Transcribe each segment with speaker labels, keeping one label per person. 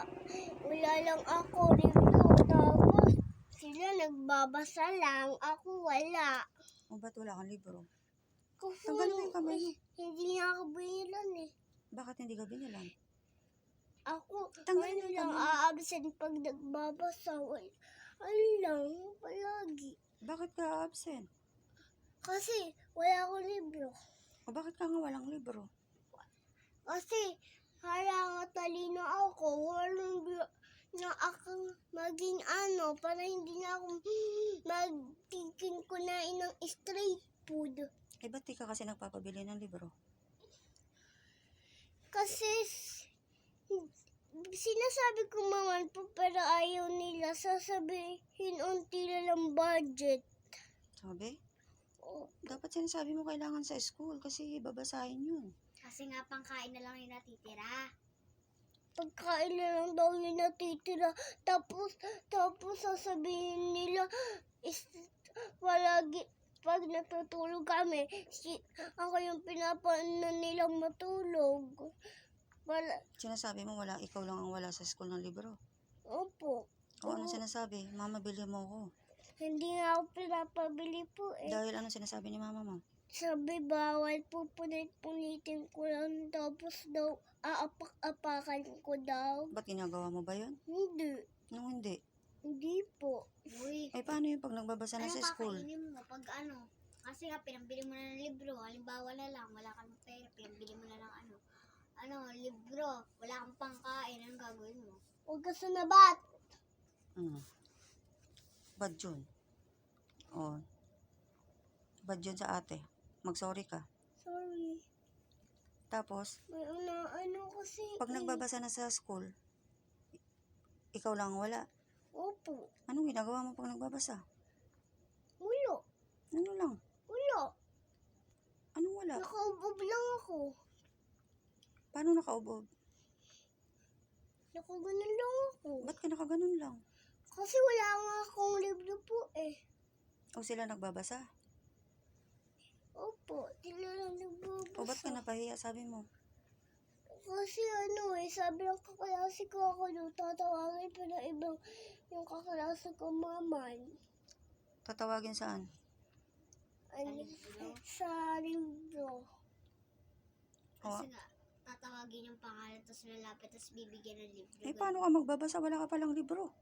Speaker 1: wala lang ako review. Tapos sila nagbabasa lang, ako wala.
Speaker 2: O ba't wala kang libro?
Speaker 1: Kasi
Speaker 2: Tanggalin mo yung kamay mo.
Speaker 1: hindi niya ako binilan eh.
Speaker 2: Bakit hindi ka binilan?
Speaker 1: Ako,
Speaker 2: Tanggalin
Speaker 1: ano
Speaker 2: mo yung
Speaker 1: lang,
Speaker 2: kamay mo.
Speaker 1: a-absent pag nagbabasa. Ano lang, palagi.
Speaker 2: Bakit ka absent?
Speaker 1: Kasi wala akong libro.
Speaker 2: O bakit ka nga walang libro?
Speaker 1: Kasi harang talino ako, walang na akong maging ano, para hindi na ako magtikin ko na ng street food.
Speaker 2: Eh ba't di ka kasi nagpapabili ng libro?
Speaker 1: Kasi sinasabi ko naman po pero ayaw nila sasabihin unti lang budget.
Speaker 2: Sabi?
Speaker 1: O,
Speaker 2: Dapat sinasabi mo kailangan sa school kasi babasahin yun.
Speaker 3: Kasi nga pangkain na lang yung natitira.
Speaker 1: pagkain na lang daw yung natitira. Tapos sasabihin nila, palagi, pag natutulog kami, ako yung pinapano nilang matulog.
Speaker 2: Sinasabi mo ikaw lang ang wala sa school ng libro.
Speaker 1: Opo.
Speaker 2: O anong sinasabi? Mama, bili mo ako.
Speaker 1: Hindi nga ako pinapabili po eh.
Speaker 2: Dahil anong sinasabi ni mama mo?
Speaker 1: Sabi bawal po punit-punitin ko lang. Tapos daw, aapak-apakan ko daw.
Speaker 2: Ba't ginagawa mo ba yun?
Speaker 1: Hindi.
Speaker 2: Nung hindi.
Speaker 1: Hindi po.
Speaker 3: Uy,
Speaker 2: Ay paano yung pag nagbabasa na
Speaker 3: ano
Speaker 2: sa school?
Speaker 3: kakainin mo pag ano? Kasi nga, pinambili mo na ng libro. Halimbawa na lang, wala kang pera. Pinambili mo na ng libro. Wala kang pangkain. Anong gagawin mo?
Speaker 1: Huwag ka sunabat.
Speaker 2: Bad yun. O. Bad yun sa ate. Mag-sorry ka.
Speaker 1: Sorry.
Speaker 2: Tapos,
Speaker 1: May ano kasi.
Speaker 2: pag nagbabasa na sa school, ikaw lang ang wala.
Speaker 1: Opo.
Speaker 2: Anong ginagawa mo pag nagbabasa?
Speaker 1: Wala.
Speaker 2: Ano lang?
Speaker 1: Wala.
Speaker 2: Anong wala?
Speaker 1: Nakaubob lang ako.
Speaker 2: Paano nakaubob?
Speaker 1: Nakaganon lang ako.
Speaker 2: Ba't ka nakaganon lang?
Speaker 1: Kasi wala nga akong libro po eh.
Speaker 2: O sila nagbabasa?
Speaker 1: Opo. Sila lang
Speaker 2: O ba't ka
Speaker 1: nagbabasa.
Speaker 2: napahiya sabi mo?
Speaker 1: Kasi sabi ng kaklase ko ako nung tatawagin pa ng ibang yung kaklase ko maman.
Speaker 2: Tatawagin saan?
Speaker 1: Sa libro.
Speaker 2: O,
Speaker 3: Kasi nga, tatawagin yung pangalan, tapos lalapit, tapos bibigyan ng libro.
Speaker 2: eh paano ka magbabasa? Wala ka palang libro.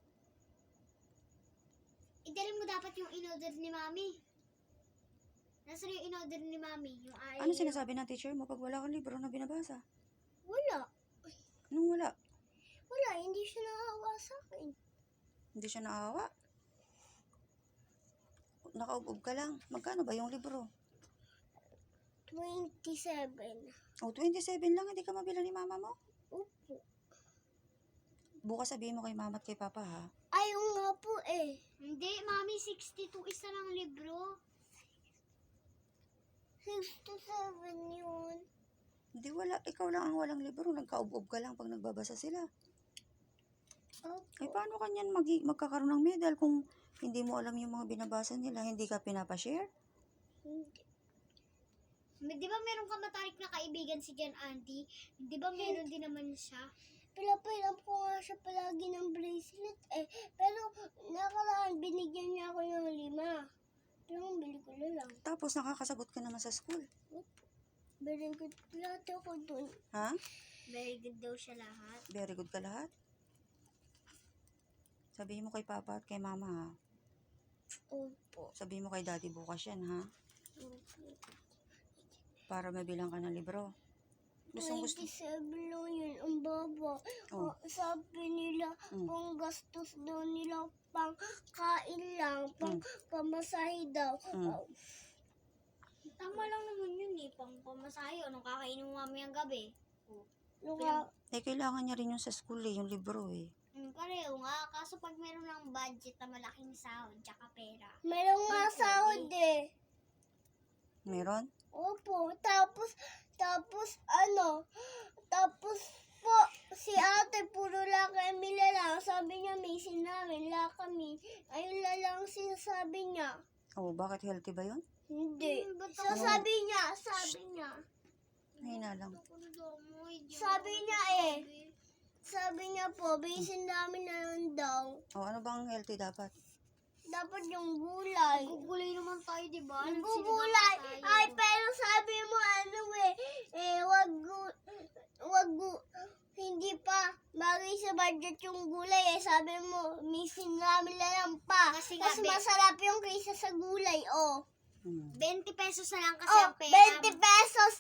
Speaker 3: Idalhin mo dapat yung in-order ni Mami. Nasaan yung in-order ni Mami? Yung
Speaker 2: Ano sinasabi ng teacher mo pag wala kang libro na binabasa?
Speaker 1: Wala.
Speaker 2: Anong wala?
Speaker 1: Wala. Hindi siya naawa sa akin.
Speaker 2: Hindi siya naawa? Nakaubob ka lang. Magkano ba yung libro?
Speaker 1: 27.
Speaker 2: O, 27 lang. Hindi ka mabila ni mama mo?
Speaker 1: Opo.
Speaker 2: Bukas sabihin mo kay mama at kay papa, ha?
Speaker 1: Ayaw nga po eh.
Speaker 3: Hindi, Mami, 62 isa lang libro.
Speaker 1: 67 yun.
Speaker 2: Hindi, wala. Ikaw lang ang walang libro. Nagkaubob ka lang pag nagbabasa sila.
Speaker 1: Opo.
Speaker 2: Eh, paano kanyan magkakaroon ng medal kung hindi mo alam yung mga binabasa nila? Hindi ka pinapashare?
Speaker 1: Hindi.
Speaker 3: Di ba meron ka matarik na kaibigan si Jan Auntie? Di ba meron din naman siya?
Speaker 1: Pinapilam ko nga siya palagi ng bracelet eh. Pero nakaraan binigyan niya ako ng 5. Pero bili ko na lang.
Speaker 2: Tapos nakakasagot ka naman sa school.
Speaker 1: Very good lahat ako dun.
Speaker 2: Ha?
Speaker 3: Very good daw siya lahat.
Speaker 2: Very good ka lahat? Sabihin mo kay papa at kay mama, ha?
Speaker 1: Opo.
Speaker 2: Sabihin mo kay daddy bukas yan, ha?
Speaker 1: Opo.
Speaker 2: Para mabilang ka ng libro. Gustong gusto.
Speaker 1: 27 lang yun. Ang baba.
Speaker 2: Oh.
Speaker 1: Sabi nila, pang gastos daw nila, pang kain lang, pang pamasahe daw.
Speaker 3: Tama lang naman yun eh. Pang pamasahe. Anong kakainin mo mamayang gabi?
Speaker 2: Eh, kailangan niya rin yung sa school eh, yung libro eh.
Speaker 3: Pareho nga. Kaso pag meron ng budget na malaking sahod, tsaka pera.
Speaker 1: Meron nga sahod eh.
Speaker 2: Meron?
Speaker 1: Opo. Tapos po, si ate puro lakami lang. Sabi niya, misin namin, lakami. Ayun lang sinasabi niya.
Speaker 2: Oh, bakit healthy ba yun?
Speaker 1: Hindi.
Speaker 3: Ba't
Speaker 1: So, sabi niya.
Speaker 2: Mahina lang.
Speaker 1: Sabi niya niya po, bisin namin na lang daw.
Speaker 2: O, ano bang healthy dapat?
Speaker 1: Dapat yung gulay.
Speaker 3: Gugulay naman tayo, di ba?
Speaker 1: Gulay. Ay, pero sabi mo hindi pa bagay sa budget yung gulay sabi mo, misin namin na lang pa.
Speaker 3: Kasi nga,
Speaker 1: Mas masarap yung kaysa sa gulay, oh.
Speaker 3: 20 pesos na lang kasi
Speaker 1: Oh,
Speaker 3: ang pera.
Speaker 1: 20 pesos.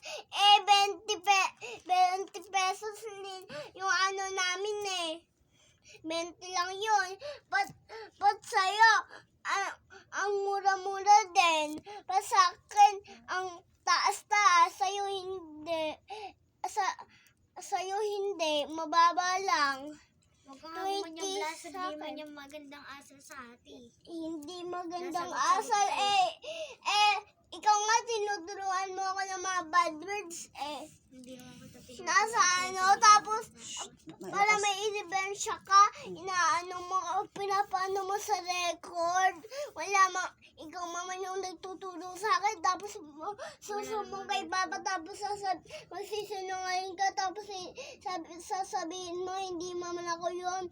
Speaker 1: 20 pesos yung ano namin eh. 20 lang yun. But sa'yo, ang mura-mura din. Pa sa akin, ang taas-taas. Sa'yo hindi. Sa'yo hindi. Mababa lang.
Speaker 3: Huwag kang hamuman yung
Speaker 1: 20
Speaker 3: blasa,
Speaker 1: sa
Speaker 3: di man
Speaker 1: akin.
Speaker 3: yung magandang asal sa ati.
Speaker 1: Hindi magandang
Speaker 3: Nasa
Speaker 1: asal
Speaker 3: loob
Speaker 1: ikaw nga tinuturuan mo ako ng mga bad words
Speaker 3: Hindi naman kita tinuturuan.
Speaker 1: nasa tapos para
Speaker 2: Malakas.
Speaker 1: may ebidensya ka, inaano mo, pinapaano mo sa record. Wala ikaw mama yung nagtuturo sa akin, tapos susumbong kay papa, tapos magsisinungaling ka, tapos sasabihin mo, hindi mama ako yun.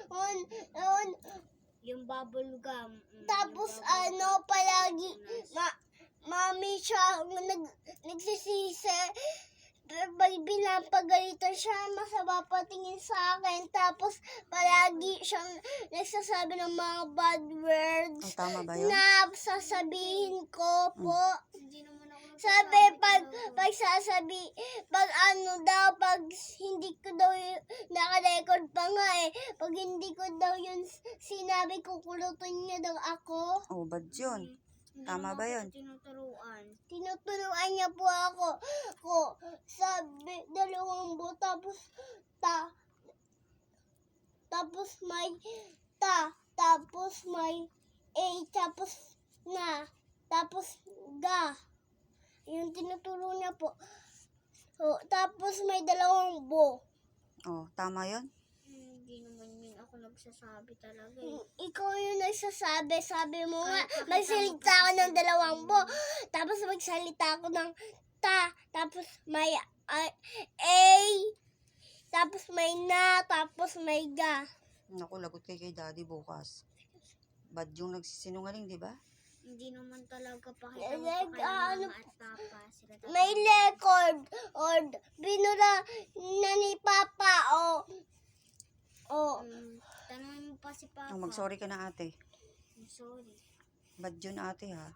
Speaker 3: Yung bubble gum.
Speaker 1: Tapos palagi, mami siya nagsisisi. Pag pinapagalitan siya, masama patingin sa akin. Tapos palagi siyang nagsasabi ng mga bad words
Speaker 2: O, tama ba yun?
Speaker 1: na sasabihin ko po.
Speaker 3: Hindi naman ako
Speaker 1: Sabi, pag hindi ko daw naka-record pa nga pag hindi ko daw yun sinabi, kukulutin niya daw ako.
Speaker 2: O, bad yun. Tama ba yun?
Speaker 3: Tinuturuan.
Speaker 1: Tinuturuan niya po ako. Sabi, 2 buo, tapos may tapos may A, tapos ga. Yung tinuturo niya po. Tapos may 2 buo.
Speaker 2: O, tama yun?
Speaker 3: Hindi naman yun ako nagsasabi talaga
Speaker 1: Ikaw yung nagsasabi, sabi mo nga,
Speaker 3: Kahit
Speaker 1: magsalita ako ng 2 buo, tapos magsalita ako ng tapos may A, tapos may na, tapos may ga.
Speaker 2: Naku, lagot kay daddy bukas. Bad yung nagsisinungaling, di ba?
Speaker 3: Hindi naman talaga pakita mo
Speaker 1: Like,
Speaker 3: pa kay mama at papa. Sila talaga.
Speaker 1: May record, or binura na ni Papa,
Speaker 3: Tanungin mo pa si papa.
Speaker 2: O, mag-sorry ka na ate.
Speaker 3: I'm sorry.
Speaker 2: Bad yun ate ha.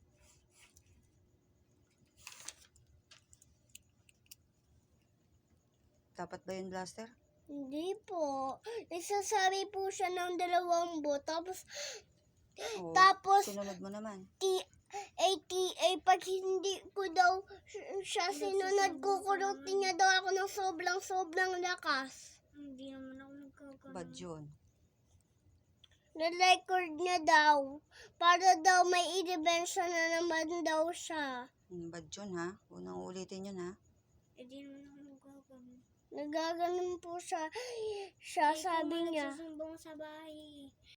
Speaker 2: Dapat ba yun, Blaster?
Speaker 1: Hindi po. Nagsasabi po siya ng 2 buo, tapos
Speaker 2: O,
Speaker 1: Tapos,
Speaker 2: sinunod mo naman.
Speaker 1: pag hindi ko daw siya sinunod, kukurutin niya daw ako ng sobrang lakas.
Speaker 3: Hindi naman ako nagkagano.
Speaker 2: Bad yun.
Speaker 1: Na-record niya daw. Para daw may i-debention na naman daw siya.
Speaker 2: Bad yun ha. Unang ulitin yun ha.
Speaker 3: Hindi naman ako nagkagano.
Speaker 1: Nagaganon po siya sabi niya.
Speaker 3: Nagsusumbong sa bahay.